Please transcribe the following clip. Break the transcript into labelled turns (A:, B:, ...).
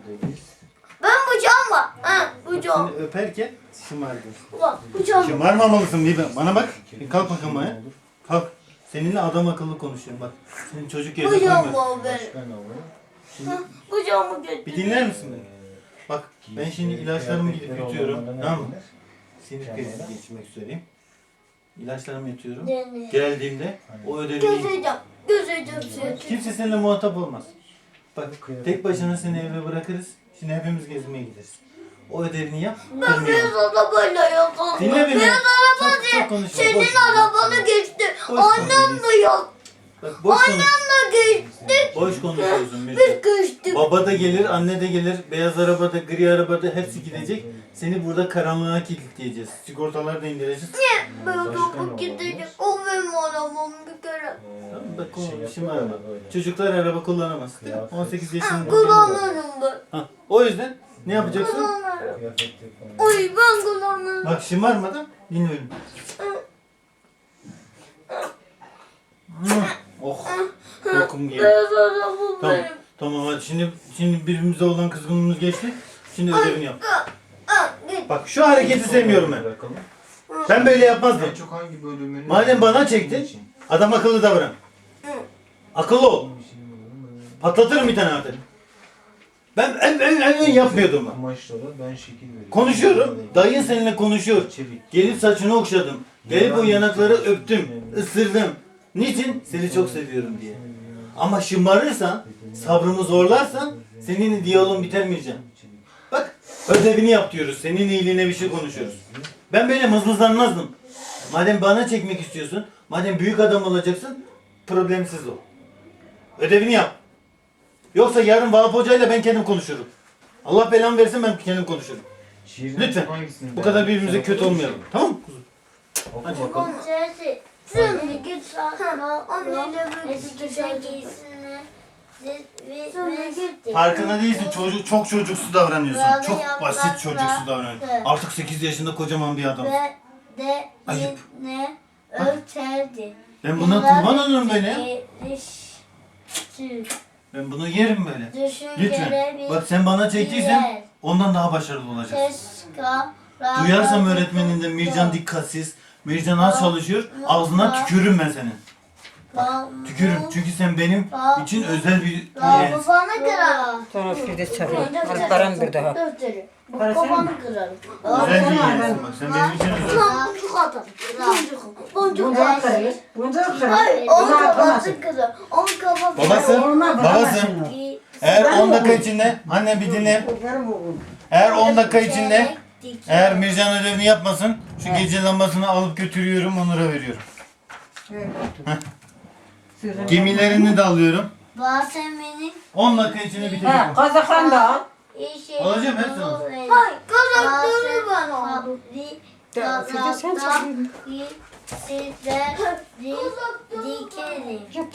A: Deniz.
B: Ben bıçağım var. Ha, bıçağım.
C: Seni öperken şımardın.
B: Bak, bıçağım.
C: Şımarmamalısın bir bana bak. Bir kalk bakalım ayağa. Kalk. Seninle adam akıllı konuşuyorum bak. Senin çocuk yerine
B: Bıçağım
C: koyma.
B: var benim.
A: Başka ne var?
C: Şimdi
B: Ha, bıçağımı getir.
C: bir dinler misin beni? Bak ben şimdi ilaçlarımı gidip yutuyorum. Tamam mı? Sinir krizi geçirmek üzereyim. İlaçlarımı yutuyorum.
B: Deniz.
C: Geldiğimde o ödevi
B: Gözeceğim. Gözeceğim seni.
C: kimse seninle muhatap olmaz. Bak tek başına seni eve bırakırız. Şimdi hepimiz gezmeye gideriz. O ödevini yap.
B: Ben beyaz
C: kırmayalım.
B: arabayla yapalım.
C: Dinle beni.
B: Beyaz araba
C: Çok
B: değil.
C: konuşma.
B: Senin
C: Boş.
B: arabanı geçti.
C: Boş
B: Annem
C: konuşuyorsun.
B: de yok.
C: Bak boş konuş.
B: Annemle geçtik.
C: Boş konuşuyorsun
B: Biz
C: Müjde.
B: geçtik.
C: Baba da gelir, anne de gelir, beyaz arabada, gri arabada hepsi gidecek. Seni burada karanlığa kilitleyeceğiz. Sigortaları da indireceğiz.
B: Ben
A: Başka ne
B: topu
A: olabilir?
B: gidecek. O benim arabam bir kere.
C: Tamam bak
A: Şey
C: işim var
A: yapıyorlar
C: mı?
A: böyle.
C: Çocuklar araba kullanamaz. Değil mi?
A: Kıyafet.
C: 18
B: Ha,
C: yaşında.
B: kullanırım ben.
C: Ha, o yüzden ne yapacaksın?
B: Kullanırım.
A: Kıyafet yapalım.
B: Oy ben kullanırım.
C: Bak şımarmadan dinliyorum. Oh, lokum gibi.
B: Beyaz arabam
C: Tamam,
B: benim.
C: tamam hadi şimdi birbirimize olan kızgınlığımız geçti. Şimdi ödevini yap.
B: Ha, git.
C: Bak şu hareketi sevmiyorum ben.
A: Bırakalım.
C: Ben böyle yapmazdım.
A: En çok hangi bölümünü?
C: Madem bana çektin, adam akıllı davran. Akıllı ol. Patlatırım bir tane artık. Ben en yapmıyordum ben.
A: Kumaşlara ben şekil veriyorum.
C: Konuşuyorum. Dayın seninle konuşuyor.
A: Çevik.
C: Gelip saçını okşadım. Gelip o yanakları öptüm. Isırdım. Niçin? Seni çok seviyorum diye. Ama şımarırsan, sabrımı zorlarsan seninle diyalogum bitermeyeceğim. Bak ödevini yap diyoruz. Senin iyiliğine bir şey konuşuyoruz. Ben böyle mızmızlanmazdım. Madem bana çekmek istiyorsun, madem büyük adam olacaksın, problemsiz ol. Ödevini yap. Yoksa yarın Vahap Hoca'yla ben kendim konuşurum. Allah belamı versin ben kendim konuşurum.
A: Şiirin
C: Lütfen.
A: hangisini
C: Bu kadar
A: beğendin?
C: birbirimize
A: Sen
C: kötü
A: okur
C: olmayalım.
A: musun?
C: Tamam mı kuzum?
A: Oku
C: Hadi.
A: bakalım.
B: Şimdi git sana. Anneyle bir
C: Farkında değilsin. Çok çocuksu davranıyorsun.
B: Böyle
C: Çok
B: yapraklar-
C: basit çocuksu davranıyorsun.
B: Evet.
C: Artık 8 yaşında kocaman bir adam.
B: Ve de
C: Ayıp.
B: yine örterdi.
C: Ben buna kurban olurum böyle ya.
B: Geliştir.
C: Ben bunu yerim böyle.
B: Düşünceleri
C: Lütfen. Bak sen bana çektiysen ondan daha başarılı olacaksın. Duyarsam öğretmeninden Mircan dikkatsiz, Mircan az çalışıyor, ağzına tükürürüm ben senin. Tükürürüm çünkü sen benim için özel bir yeğensin.
B: Babanı kırarım.
D: Sonra bir de çarpıyor. Alparan bir daha.
B: Babanı kırarım.
C: Özel bir yeğensin bak sen benim için özel.
B: Boncuk atarım. Boncuk. Boncuk
D: Bunca
B: atarım.
D: kırıyor. Bunca kırıyor.
B: Hayır,
D: Bunu
B: onun
D: atamazsın.
B: kafası kırarım. Onun kafası
C: Babası, babası. Eğer 10 dakika içinde, anne bir dinle.
D: Benim oğlum.
C: Eğer 10 dakika içinde, eğer Mircan ödevini yapmasın, şu gece lambasını alıp götürüyorum, Onur'a veriyorum. Gemilerini de alıyorum.
B: Basemenin
C: 10 dakika içinde
D: Ha,
C: bitecek.
D: Kazakhan da al.
B: işi.
C: Alacağım hepsini.
B: Hayır, kazakları ben aldım.
D: Ya, Fide sen çekiyorsun.
B: Sizler dikerim.